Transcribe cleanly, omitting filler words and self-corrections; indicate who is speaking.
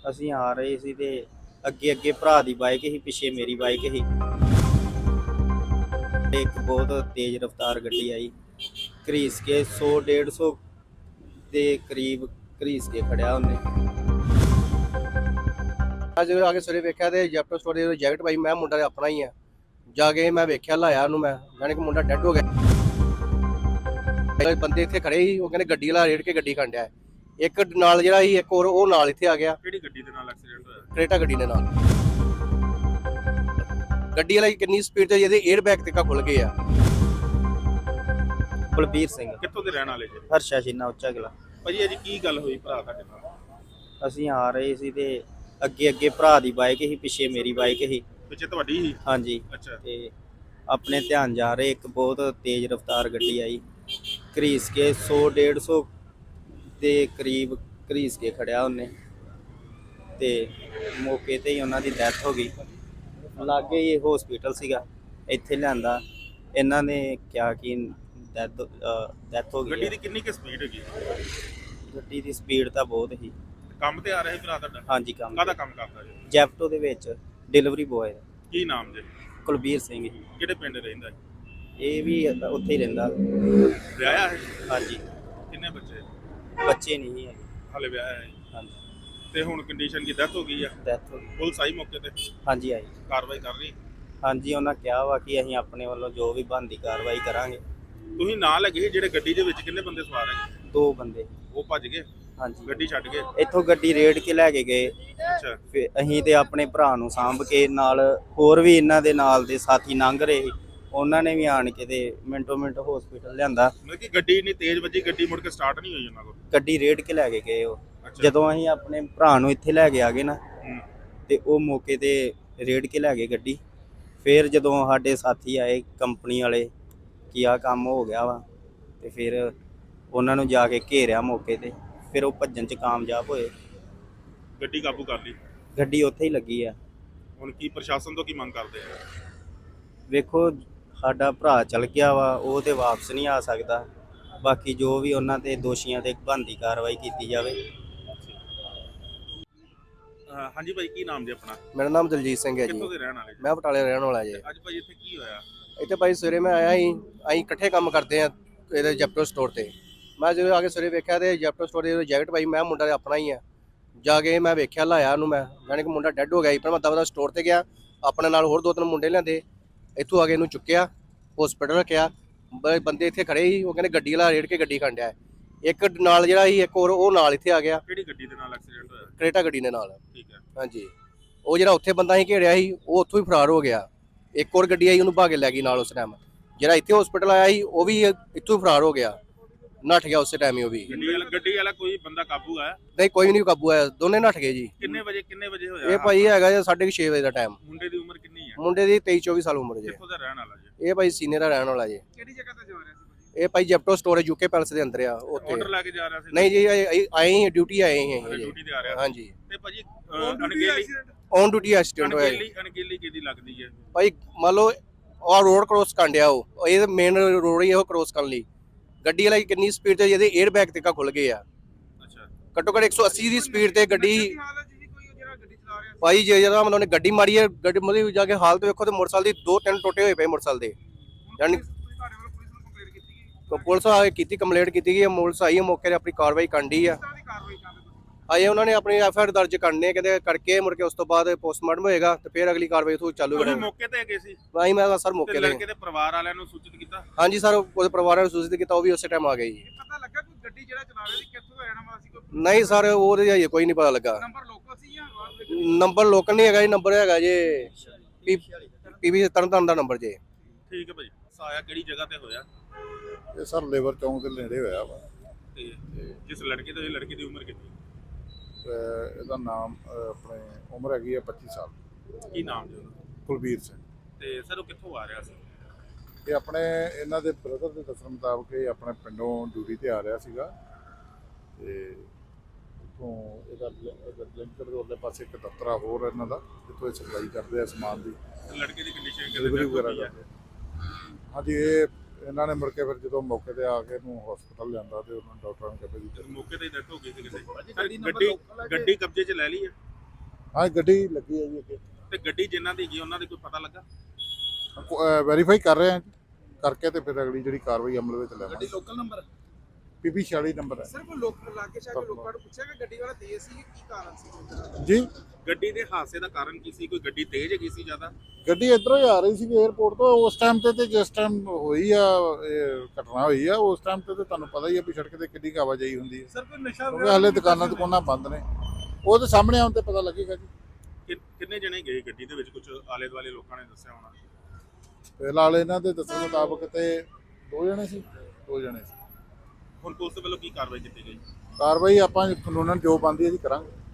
Speaker 1: ਅਸੀਂ ਆ ਰਹੇ ਸੀ ਤੇ ਅੱਗੇ ਅੱਗੇ ਭਰਾ ਦੀ ਬਾਈਕ ਸੀ, ਪਿੱਛੇ ਮੇਰੀ ਬਾਈਕ ਸੀ ਤੇ ਇੱਕ ਬਹੁਤ ਤੇਜ਼ ਰਫ਼ਤਾਰ ਗੱਡੀ ਆਈ, ਘਰੀਸ ਕੇ 100-150 ਦੇ ਕਰੀਬ ਘਰੀਸ ਕੇ ਖੜਿਆ ਉਹਨੇ।
Speaker 2: ਅੱਜ ਆ ਕੇ ਸਵੇਰੇ ਵੇਖਿਆ ਤੇ ਜੈਪਟੋ ਸਟੋਰ ਦੀ ਜੈਕਟ ਪਾਈ, ਮੈਂ ਮੁੰਡਾ ਆਪਣਾ ਹੀ ਆ। ਜਾ ਕੇ ਮੈਂ ਵੇਖਿਆ, ਲਾਇਆ ਉਹਨੂੰ, ਮੈਂ ਜਾਣੀ ਕਿ ਮੁੰਡਾ ਡੈੱਡ ਹੋ ਗਿਆ। ਬੰਦੇ ਇੱਥੇ ਖੜੇ ਸੀ, ਉਹ ਕਹਿੰਦੇ ਗੱਡੀ ਵਾਲਾ ਰੇੜ ਕੇ ਗੱਡੀ ਖੰਡਿਆ। ਇੱਕ ਨਾਲ ਜਿਹੜਾ ਸੀ, ਇੱਕ ਹੋਰ ਉਹ ਨਾਲ ਇੱਥੇ ਆ ਗਿਆ।
Speaker 3: ਕਿਹੜੀ ਗੱਡੀ ਦੇ ਨਾਲ ਐਕਸੀਡੈਂਟ ਹੋਇਆ?
Speaker 2: ਕਰੇਟਾ ਗੱਡੀ ਦੇ ਨਾਲ। ਗੱਡੀ ਵਾਲਾ ਕਿੰਨੀ ਸਪੀਡ ਤੇ, ਜਿਹਦੇ 에ਅਰ ਬੈਗ ਤੱਕ ਖੁੱਲ ਗਏ ਆ।
Speaker 1: ਕੁਲਬੀਰ ਸਿੰਘ,
Speaker 3: ਕਿੱਥੋਂ ਦੇ ਰਹਿਣ ਵਾਲੇ ਜੀ?
Speaker 1: ਹਰਸ਼ਾ ਸ਼ੀਨਾ, ਉੱਚਾ ਕਿਲਾ।
Speaker 3: ਭਾਜੀ ਅੱਜ ਕੀ ਗੱਲ ਹੋਈ ਭਰਾ ਤੁਹਾਡੇ ਨਾਲ?
Speaker 1: ਅਸੀਂ ਆ ਰਹੇ ਸੀ ਤੇ ਅੱਗੇ ਅੱਗੇ ਭਰਾ ਦੀ ਬਾਈਕ ਸੀ, ਪਿੱਛੇ ਮੇਰੀ ਬਾਈਕ ਸੀ।
Speaker 3: ਪਿੱਛੇ ਤੁਹਾਡੀ ਹੀ?
Speaker 1: ਹਾਂਜੀ।
Speaker 3: ਅੱਛਾ।
Speaker 1: ਤੇ ਆਪਣੇ ਧਿਆਨ ਜਾ ਰਹੇ, ਇੱਕ ਬਹੁਤ ਤੇਜ਼ ਰਫ਼ਤਾਰ ਗੱਡੀ ਆਈ, ਘਰੀਸ ਕੇ 100-150 ਦੇ ਕਰੀਬ ਘਰੀਸ ਕੇ ਖੜਿਆ ਉਹਨੇ ਤੇ ਮੌਕੇ ਤੇ ਹੀ ਉਹਨਾਂ ਦੀ ਡੈਥ ਹੋ ਗਈ। ਲਾਗੇ ਹੀ ਹਸਪੀਟਲ ਸੀਗਾ, ਇੱਥੇ ਲਿਆਂਦਾ। ਇਹਨਾਂ ਨੇ ਕਿਹਾ ਕਿ ਡੈਥ ਹੋ ਗਈ।
Speaker 3: ਗੱਡੀ ਦੀ ਕਿੰਨੀ ਕੁ ਸਪੀਡ ਹੈਗੀ?
Speaker 1: ਗੱਡੀ ਦੀ ਸਪੀਡ ਤਾਂ ਬਹੁਤ ਸੀ।
Speaker 3: ਕੰਮ ਤੇ ਆ ਰਿਹਾ ਸੀ ਭਰਾ ਤੁਹਾਡਾ?
Speaker 1: ਹਾਂਜੀ, ਕੰਮ
Speaker 3: ਕਾਹਦਾ ਕੰਮ ਕਰਦਾ ਜੀ?
Speaker 1: ਜੈਪਟੋ ਦੇ ਵਿੱਚ ਡਿਲੀਵਰੀ ਬੋਏ।
Speaker 3: ਕੀ ਨਾਮ ਜੀ?
Speaker 1: ਕੁਲਬੀਰ ਸਿੰਘ ਜੀ।
Speaker 3: ਕਿਹੜੇ ਪਿੰਡ ਰਹਿੰਦਾ ਜੀ?
Speaker 1: ਇਹ ਵੀ ਉੱਥੇ ਹੀ ਰਹਿੰਦਾ।
Speaker 3: ਵਿਆਹਿਆ ਹੈ?
Speaker 1: ਹਾਂਜੀ।
Speaker 3: ਕਿੰਨੇ ਬੱਚੇ?
Speaker 1: ਬੱਚੇ ਨਹੀਂ ਹੈਗੇ।
Speaker 3: ਹਾਲੇ ਵਿਆਹਿਆ ਹੈ?
Speaker 1: ਹਾਂਜੀ।
Speaker 3: ਤੇ ਹੁਣ ਕੰਡੀਸ਼ਨ ਕੀ ਡੈਥ ਹੋ ਗਈ ਆ?
Speaker 1: ਡੈਥ ਹੋ ਗਈ।
Speaker 3: ਪੁਲਿਸ ਆਈ ਮੌਕੇ ਤੇ?
Speaker 1: ਹਾਂਜੀ, ਆਈ।
Speaker 3: ਕਾਰਵਾਈ ਕਰ ਰਹੀ?
Speaker 1: ਹਾਂਜੀ, ਉਹਨਾਂ ਕਿਹਾ ਵਾ ਕਿ ਅਸੀਂ ਆਪਣੇ ਵੱਲੋਂ ਜੋ ਵੀ ਬਣਦੀ ਕਾਰਵਾਈ ਕਰਾਂਗੇ।
Speaker 3: ਤੁਸੀਂ ਨਾਲ ਲੱਗੇ ਸੀ ਜਿਹੜੇ ਗੱਡੀ ਦੇ ਵਿੱਚ, ਕਿੰਨੇ ਬੰਦੇ ਸਵਾਰ ਹੈਗੇ?
Speaker 1: 2 ਬੰਦੇ।
Speaker 3: ਉਹ ਭੱਜ ਗਏ?
Speaker 1: ਹਾਂਜੀ।
Speaker 3: ਗੱਡੀ ਛੱਡ ਗਏ?
Speaker 1: ਇੱਥੋਂ ਗੱਡੀ ਰੇੜ ਕੇ ਲੈ ਕੇ ਗਏ।
Speaker 3: ਅੱਛਾ।
Speaker 1: ਫਿਰ ਅਸੀਂ ਤੇ ਆਪਣੇ ਭਰਾ ਨੂੰ ਸਾਂਭ ਕੇ, ਨਾਲ ਹੋਰ ਵੀ ਇਹਨਾਂ ਦੇ ਨਾਲ ਦੇ ਸਾਥੀ ਲੰਘ ਰਹੇ ਸੀ, ਉਹਨਾਂ ਨੇ ਵੀ ਆਣ ਕੇ ਤੇ ਮਿੰਟੋ ਮਿੰਟ ਹਸਪੀਟਲ ਲਿਆਂਦਾ।
Speaker 3: ਮਤਲਬ ਕਿ ਗੱਡੀ ਇੰਨੀ ਤੇਜ਼ ਵੱਜੀ, ਗੱਡੀ ਮੁੜ ਕੇ ਸਟਾਰਟ ਨਹੀਂ ਹੋਈ ਉਹਨਾਂ ਕੋਲ?
Speaker 1: ਗੱਡੀ ਰੇੜ ਕੇ ਲੈ ਕੇ ਗਏ ਉਹ।
Speaker 3: ਅੱਛਾ।
Speaker 1: ਜਦੋਂ ਅਸੀਂ ਆਪਣੇ ਭਰਾ ਨੂੰ ਇੱਥੇ ਲੈ ਕੇ ਆ ਗਏ ਨਾ,
Speaker 3: ਹੂੰ।
Speaker 1: ਤੇ ਉਹ ਮੌਕੇ ਤੇ ਰੇੜ ਕੇ ਲੈ ਗਏ ਗੱਡੀ। ਫਿਰ ਜਦੋਂ ਸਾਡੇ ਸਾਥੀ ਆਏ ਕੰਪਨੀ ਵਾਲੇ ਕਿ ਆਹ ਕੰਮ ਹੋ ਗਿਆ ਵਾ, ਤੇ ਫਿਰ ਉਹਨਾਂ ਨੂੰ ਜਾ ਕੇ ਘੇਰਿਆ ਮੌਕੇ ਤੇ, ਫਿਰ ਉਹ ਭੱਜਣ 'ਚ ਕਾਮਯਾਬ ਹੋਏ।
Speaker 3: ਗੱਡੀ ਕਾਬੂ ਕਰ ਲਈ?
Speaker 1: ਗੱਡੀ ਉੱਥੇ ਹੀ ਲੱਗੀ ਆ।
Speaker 3: ਹੁਣ ਕੀ ਪ੍ਰਸ਼ਾਸਨ ਤੋਂ ਕੀ ਮੰਗ ਕਰਦੇ ਆ?
Speaker 1: ਵੇਖੋ, ਸਾਡਾ ਭਰਾ ਚਲ ਗਿਆ ਵਾ, ਉਹ ਤੇ ਵਾਪਸ ਨਹੀਂ ਆ ਸਕਦਾ। ਬਾਕੀ ਜੋ ਵੀ ਉਹਨਾਂ ਤੇ ਦੋਸ਼ੀਆਂ ਤੇ ਬਣਦੀ ਕਾਰਵਾਈ ਕੀਤੀ ਜਾਵੇ।
Speaker 3: ਹਾਂਜੀ ਭਾਈ, ਕੀ ਨਾਮ ਜੀ ਆਪਣਾ?
Speaker 2: ਮੇਰਾ ਨਾਮ ਦਲਜੀਤ ਸਿੰਘ ਹੈ ਜੀ।
Speaker 3: ਕਿੱਥੋਂ ਦੇ ਰਹਿਣ ਵਾਲੇ ਜੀ?
Speaker 2: ਮੈਂ ਬਟਾਲੇ ਰਹਿਣ ਵਾਲਾ ਜੀ।
Speaker 3: ਅੱਜ ਭਾਈ ਇੱਥੇ ਕੀ ਹੋਇਆ?
Speaker 2: ਇੱਥੇ ਭਾਈ ਸਵੇਰੇ ਮੈਂ ਆਇਆ ਸੀ, ਅਸੀਂ ਇਕੱਠੇ ਕੰਮ ਕਰਦੇ ਆ ਇਹਦੇ ਜੈਪਟੋ ਸਟੋਰ ਤੇ। ਮੈਂ ਜਦੋਂ ਆ ਕੇ ਸਵੇਰੇ ਵੇਖਿਆ ਤੇ ਜੈਪਟੋ ਸਟੋਰ ਦੀ ਜੈਕਟ ਪਾਈ, ਮੈਂ ਮੁੰਡਾ ਆਪਣਾ ਹੀ ਆ। ਜਾ ਕੇ ਮੈਂ ਵੇਖਿਆ, ਲਾਇਆ ਉਹਨੂੰ, ਮੈਂ ਜਾਣੀ ਕਿ ਮੁੰਡਾ ਡੈੱਡ ਹੋ ਗਿਆ ਸੀ। ਪਰ ਮੈਂ ਦਵਾ ਸਟੋਰ ਤੇ ਗਿਆ, ਆਪਣੇ ਨਾਲ ਹੋਰ 2-3 ਮੁੰਡੇ ਲਿਆਂਦੇ, ਇੱਥੋਂ ਆ ਕੇ ਇਹਨੂੰ ਚੁੱਕਿਆ, ਹਸਪੀਟਲ ਰੱਖਿਆ। ਬੰਦੇ ਇੱਥੇ ਖੜੇ ਸੀ, ਉਹ ਕਹਿੰਦੇ ਗੱਡੀ ਵਾਲਾ ਰੇੜ ਕੇ ਗੱਡੀ ਖੰਡਿਆ। ਇੱਕ ਨਾਲ ਜਿਹੜਾ ਸੀ, ਇੱਕ ਹੋਰ ਉਹ ਨਾਲ ਇੱਥੇ ਆ ਗਿਆ।
Speaker 3: ਕਿਹੜੀ ਗੱਡੀ ਦੇ ਨਾਲ ਐਕਸੀਡੈਂਟ ਹੋਇਆ?
Speaker 2: ਕਰੇਟਾ ਗੱਡੀ ਦੇ ਨਾਲ।
Speaker 3: ਠੀਕ ਹੈ।
Speaker 2: ਹਾਂਜੀ। ਉਹ ਜਿਹੜਾ ਉੱਥੇ ਬੰਦਾ ਸੀ ਘੇੜਿਆ ਸੀ, ਉਹ ਉੱਥੋਂ ਹੀ ਫਰਾਰ ਹੋ ਗਿਆ। ਇੱਕ ਹੋਰ ਗੱਡੀ ਆਈ, ਉਹਨੂੰ ਭਾ ਕੇ ਲੈ ਗਈ ਨਾਲ ਉਸ ਟਾਈਮ। ਜਿਹੜਾ ਇੱਥੇ ਹਸਪੀਟਲ ਆਇਆ ਸੀ, ਉਹ ਵੀ ਇੱਥੋਂ ਹੀ ਫਰਾਰ ਹੋ ਗਿਆ, ਨੱਠ ਗਿਆ ਉਸੇ ਟਾਈਮ ਹੀ ਉਹ ਵੀ।
Speaker 3: ਗੱਡੀ ਵਾਲਾ ਕੋਈ ਬੰਦਾ ਕਾਬੂ ਆਇਆ?
Speaker 2: ਨਹੀਂ, ਕੋਈ ਨਹੀਂ ਕਾਬੂ ਆਇਆ, ਦੋਨੇ ਨੱਠ ਗਏ ਜੀ।
Speaker 3: ਕਿੰਨੇ ਵਜੇ ਹੋਇਆ?
Speaker 2: ਇਹ ਭਾਈ ਹੈਗਾ ਜੀ 6:30 ਵਜੇ ਦਾ ਟਾਈਮ।
Speaker 3: ਮੁੰਡੇ ਦੀ ਉਮਰ ਕਿੰਨੀ ਹੈ?
Speaker 2: ਮੁੰਡੇ ਦੀ 23-24 ਸਾਲ ਉਮਰ ਜੀ।
Speaker 3: ਕਿੱਥੋਂ ਦਾ ਰਹਿਣ ਵਾਲਾ ਜੀ?
Speaker 2: ਇਹ ਭਾਈ ਸੀਨੀਅਰ ਦਾ ਰਹਿਣ ਵਾਲਾ ਜੀ।
Speaker 3: ਕਿਹੜੀ ਜਗ੍ਹਾ ਤੇ ਜਾ ਰਿਹਾ ਸੀ?
Speaker 2: ਇਹ ਭਾਈ ਜੈਪਟੋ ਸਟੋਰ ਯੂਕੇ ਪੈਲਸ ਦੇ ਅੰਦਰ ਆ ਉੱਥੇ।
Speaker 3: ਆਰਡਰ ਲੈ ਕੇ ਜਾ ਰਿਹਾ ਸੀ?
Speaker 2: ਨਹੀਂ ਜੀ, ਆਏ ਹੀ ਡਿਊਟੀ ਆਏ ਹੀ
Speaker 3: ਡਿਊਟੀ ਤੇ ਆ ਰਿਹਾ।
Speaker 2: ਹਾਂਜੀ।
Speaker 3: ਤੇ ਭਾਜੀ
Speaker 2: ਔਨ ਡਿਊਟੀ ਐਕਸੀਡੈਂਟ ਹੋਇਆ।
Speaker 3: ਅਣਗਹਿਲੀ ਕਿਹਦੀ ਲੱਗਦੀ ਹੈ
Speaker 2: ਭਾਈ? ਮੰਨ ਲਓ ਉਹ ਰੋਡ ਕ੍ਰੋਸ ਕਰਨ ਡਿਆ, ਉਹ ਇਹ ਮੇਨ ਰੋਡ ਹੀ ਉਹ ਕ੍ਰੋਸ ਕਰਨ ਲਈ। ਗੱਡੀ ਵਾਲਾ ਕਿੰਨੀ ਸਪੀਡ ਤੇ, ਜਿਹਦੇ 에ਅਰ ਬੈਗ ਤੱਕ ਖੁੱਲ ਗਏ ਆ।
Speaker 3: ਅੱਛਾ।
Speaker 2: ਘੱਟੋ ਘੱਟ 180 ਦੀ ਸਪੀਡ ਤੇ ਗੱਡੀ। ਭਾਈ ਜਿਹੜਾ ਮਤਲਬ ਉਹਨੇ ਗੱਡੀ ਮਾਰੀ ਹੈ, ਗੱਡੀ ਮਤਲਬ ਜਾ ਕੇ ਹਾਲਤ ਵੇਖੋ ਤੇ ਮੋਟਰਸਾਈਕਲ ਦੀ 2-3 ਟੋਟੇ ਹੋਏ ਪਏ ਮੋਟਰਸਾਈਕਲ ਦੇ। ਯਾਨੀ ਪੁਲਿਸ ਆ ਕੇ ਕੀਤੀ, ਕੰਪਲੇਂਟ ਕੀਤੀ ਗਈ ਹੈ, ਪੁਲਿਸ ਆਈ ਹੈ ਮੌਕੇ ਤੇ, ਆਪਣੀ ਕਾਰਵਾਈ ਕਰਨ ਡਈ ਆ। ਆਏ ਉਹਨਾਂ ਨੇ ਆਪਣੀ ਐਫਆਈਆਰ ਦਰਜ ਕਰਨੇ ਕਹਿੰਦੇ, ਕਰਕੇ ਮੁੜ ਕੇ ਉਸ ਤੋਂ ਬਾਅਦ ਪੋਸਟਮਾਰਟਮ ਹੋਏਗਾ ਤੇ ਫਿਰ ਅਗਲੀ ਕਾਰਵਾਈ ਉਥੋਂ ਚਾਲੂ
Speaker 3: ਤੁਸੀਂ
Speaker 2: ਕਰਾਂਗੇ।
Speaker 3: ਮੌਕੇ ਤੇ ਗਏ ਸੀ?
Speaker 2: ਭਾਈ ਮੈਂ ਸਰ ਮੌਕੇ ਤੇ।
Speaker 3: ਲੜਕੇ ਦੇ ਪਰਿਵਾਰ ਵਾਲਿਆਂ ਨੂੰ ਸੂਚਿਤ ਕੀਤਾ?
Speaker 2: ਹਾਂਜੀ ਸਰ, ਉਹਦੇ ਪਰਿਵਾਰ ਨੂੰ ਸੂਚਿਤ ਕੀਤਾ, ਉਹ ਵੀ ਉਸੇ ਟਾਈਮ ਆ ਗਏ ਜੀ।
Speaker 3: ਪਤਾ ਲੱਗਾ ਕੋਈ ਗੱਡੀ ਜਿਹੜਾ ਚਲਾ ਰਿਹਾ ਸੀ ਕਿੱਥੋਂ ਦਾ ਰਹਿਣ ਵਾਲਾ ਸੀ? ਕੋਈ
Speaker 2: ਨਹੀਂ ਸਰ, ਉਹਦੇ ਹਜੇ ਕੋਈ ਨਹੀਂ ਪਤਾ ਲੱਗਾ।
Speaker 3: ਨੰਬਰ ਲੋਕਲ ਸੀ ਜਾਂ
Speaker 2: ਨੰਬਰ ਲੋਕਲ ਨਹੀਂ ਹੈਗਾ ਜੀ, ਨੰਬਰ ਹੈਗਾ ਜੀ ਪੀਵੀ ਤਰਨਤਾਰਨ ਦਾ ਨੰਬਰ ਜੀ।
Speaker 3: ਠੀਕ ਹੈ ਭਾਈ। ਸਾਇਆ ਕਿਹੜੀ ਜਗ੍ਹਾ ਤੇ ਹੋਇਆ?
Speaker 4: ਇਹ ਸਰ ਲੇਬਰ ਚੌਂਕ ਦੇ ਨੇੜੇ ਹੋਇਆ ਵਾ।
Speaker 3: ਤੇ ਜਿਸ ਲੜਕੇ ਤੋਂ, ਇਹ ਲੜਕੀ ਦੀ ਉਮਰ ਕਿੰਨੀ?
Speaker 4: ਇਹਦਾ ਨਾਮ ਆਪਣੇ ਉਮਰ ਹੈਗੀ ਹੈ 25 ਸਾਲ।
Speaker 3: ਕੀ ਨਾਮ ਜੀ ਉਹਦਾ?
Speaker 4: ਕੁਲਬੀਰ ਸਿੰਘ।
Speaker 3: ਤੇ ਸਰ ਉਹ ਕਿੱਥੋਂ ਆ ਰਿਹਾ ਸੀ?
Speaker 4: ਇਹ ਆਪਣੇ ਇਹਨਾਂ ਦੇ ਬ੍ਰਦਰ ਦੇ ਦੱਸਣ ਮੁਤਾਬਕ ਇਹ ਆਪਣੇ ਪਿੰਡੋਂ ਡਿਊਟੀ ਤੇ ਆ ਰਿਹਾ ਸੀਗਾ ਤੇ ਉੱਥੋਂ ਇਹਦਾ ਲਿੰਕਰ ਦੇ ਉਰਲੇ ਪਾਸੇ ਇੱਕ ਦਫ਼ਤਰ ਆ ਹੋਰ ਇਹਨਾਂ ਦਾ, ਜਿੱਥੋਂ ਇਹ ਸਪਲਾਈ ਕਰਦੇ ਆ ਸਮਾਨ ਦੀ,
Speaker 3: ਲੜਕੇ ਦੀ ਕੰਡੀਸ਼ਨ
Speaker 4: ਡਿਲੀਵਰੀ ਵਗੈਰਾ ਕਰਦੇ। ਹਾਂਜੀ, ਇਹ ਇਹਨਾਂ ਨੇ ਮੁੜ ਕੇ ਫਿਰ ਜਦੋਂ ਮੌਕੇ ਤੇ ਆ ਕੇ ਇਹਨੂੰ ਹਸਪਤਾਲ ਲਿਆਂਦਾ ਤੇ ਉਹਨਾਂ ਡਾਕਟਰਾਂ ਨੇ ਕਹਿੰਦੇ ਜੀ
Speaker 3: ਮੌਕੇ ਤੇ ਹੀ ਡੈਥ ਹੋ ਗਈ ਸੀ ਕਿਤੇ। ਗੱਡੀ ਕਬਜ਼ੇ 'ਚ ਲੈ ਲਈ ਹੈ?
Speaker 4: ਹਾਂ ਗੱਡੀ ਲੱਗੀ ਹੈ ਜੀ ਅੱਗੇ
Speaker 3: ਤੇ ਗੱਡੀ ਜਿਨ੍ਹਾਂ ਦੀ ਹੈਗੀ ਉਹਨਾਂ ਦੀ ਕੋਈ ਪਤਾ ਲੱਗਾ?
Speaker 4: ਵੈਰੀਫਾਈ ਕਰ ਰਹੇ ਹਾਂ ਜੀ। ਕਰਕੇ ਤੇ ਫਿਰ ਅਗਲੀ ਜਿਹੜੀ ਕਾਰਵਾਈ ਅਮਲ ਵਿੱਚ ਲੈਵਾਂਗੇ।
Speaker 3: Local number?
Speaker 4: PB 46 ਨੰਬਰ ਹੈ
Speaker 5: ਸਰ ਕੋਈ ਲੋਕ ਲਾਗੇ ਸ਼ਾਗੇ ਲੋਕਾਂ ਨੂੰ ਪੁੱਛਿਆ ਕਿ ਗੱਡੀ ਵਾਲਾ ਤੇਜ਼ ਸੀ ਕੀ ਕਾਰਨ ਸੀ?
Speaker 4: ਜੀ।
Speaker 3: ਗੱਡੀ ਦੇ ਹਾਦਸੇ ਦਾ ਕਾਰਨ ਕੀ ਸੀ? ਕੋਈ ਗੱਡੀ ਤੇਜ਼ ਹੈਗੀ ਸੀ ਜ਼ਿਆਦਾ?
Speaker 4: ਗੱਡੀ ਇੱਧਰੋਂ ਹੀ ਆ ਰਹੀ ਸੀ 에ਅਰਪੋਰਟ ਤੋਂ ਉਸ ਟਾਈਮ ਤੇ ਜਿਸ ਟਾਈਮ ਹੋਈ ਆ ਇਹ ਘਟਨਾ ਹੋਈ ਆ ਉਸ ਟਾਈਮ ਤੇ ਤੁਹਾਨੂੰ ਪਤਾ ਹੀ ਆ ਵੀ ਸੜਕ ਤੇ ਕਿੰਨੀ ਕੁ ਆਵਾਜਾਈ ਹੁੰਦੀ ਹੈ।
Speaker 5: ਸਰ ਕੋਈ ਨਸ਼ਾ
Speaker 4: ਕਿਉਂਕਿ ਹਾਲੇ ਦੁਕਾਨਾਂ ਬੰਦ ਨੇ। ਉਹ ਤੇ ਸਾਹਮਣੇ ਆਉਣ ਤੇ ਪਤਾ ਲੱਗੇਗਾ ਜੀ।
Speaker 3: ਕਿੰਨੇ ਜਣੇ ਗਏ ਗੱਡੀ ਦੇ ਵਿੱਚ? ਕੁਝ ਆਲੇ ਦੁਆਲੇ ਲੋਕਾਂ ਨੇ ਦੱਸਿਆ ਹੋਣਾ।
Speaker 4: ਫਿਲਹਾਲ ਇਹਨਾਂ ਦੇ ਦੱਸਣ ਮੁਤਾਬਕ ਤੇ 2 ਜਣੇ ਸੀ।
Speaker 3: ਹੁਣ ਪੁਲਿਸ ਵੱਲੋਂ ਕੀ ਕਾਰਵਾਈ ਕੀਤੀ ਗਈ?
Speaker 4: ਕਾਰਵਾਈ ਆਪਾਂ ਕਾਨੂੰਨਨ ਜੋ ਬਣਦੀ ਹੈ ਜੀ ਕਰਾਂਗੇ।